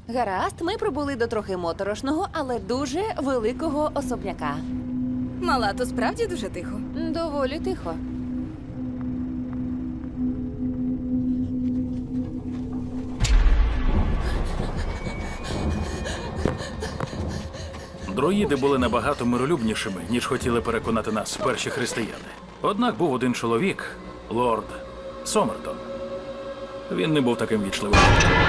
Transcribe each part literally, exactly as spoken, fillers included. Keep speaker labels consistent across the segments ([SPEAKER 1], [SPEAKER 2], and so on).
[SPEAKER 1] Гаразд, ми прибули до трохи моторошного, але дуже великого особняка.
[SPEAKER 2] Мала, то справді дуже тихо.
[SPEAKER 1] Доволі тихо.
[SPEAKER 3] Друїди були набагато миролюбнішими, ніж хотіли переконати нас перші християни. Однак був один чоловік, лорд Сомертон. Він не був таким вічливим.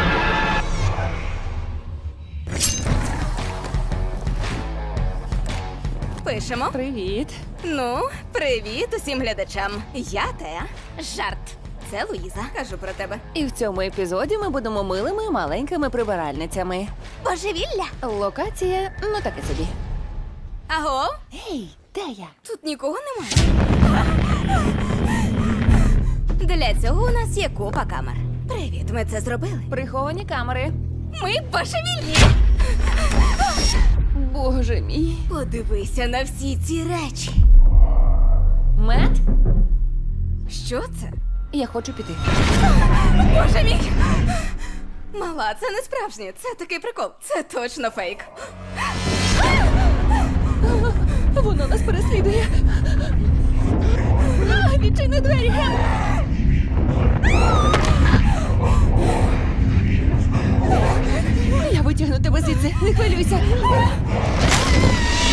[SPEAKER 2] Пишемо.
[SPEAKER 1] Привіт.
[SPEAKER 2] Ну, привіт усім глядачам. Я Теа. Жарт. Це Луїза. Кажу про тебе.
[SPEAKER 1] І в цьому епізоді ми будемо милими маленькими прибиральницями.
[SPEAKER 2] Божевілля.
[SPEAKER 1] Локація, ну таке собі.
[SPEAKER 2] Аго?
[SPEAKER 1] Гей, де я?
[SPEAKER 2] Тут нікого немає. Для цього у нас є купа камер. Привіт, ми це зробили.
[SPEAKER 1] Приховані камери.
[SPEAKER 2] Ми божевільні.
[SPEAKER 1] Боже мій.
[SPEAKER 2] Подивися на всі ці речі.
[SPEAKER 1] Мет,
[SPEAKER 2] Що це?
[SPEAKER 1] я хочу піти.
[SPEAKER 2] Боже мій! Мала, це не справжнє. Це такий прикол. Це точно фейк.
[SPEAKER 1] Воно нас переслідує. А, відчини двері, Гем! Я витягну тебе звідси, не хвилюйся.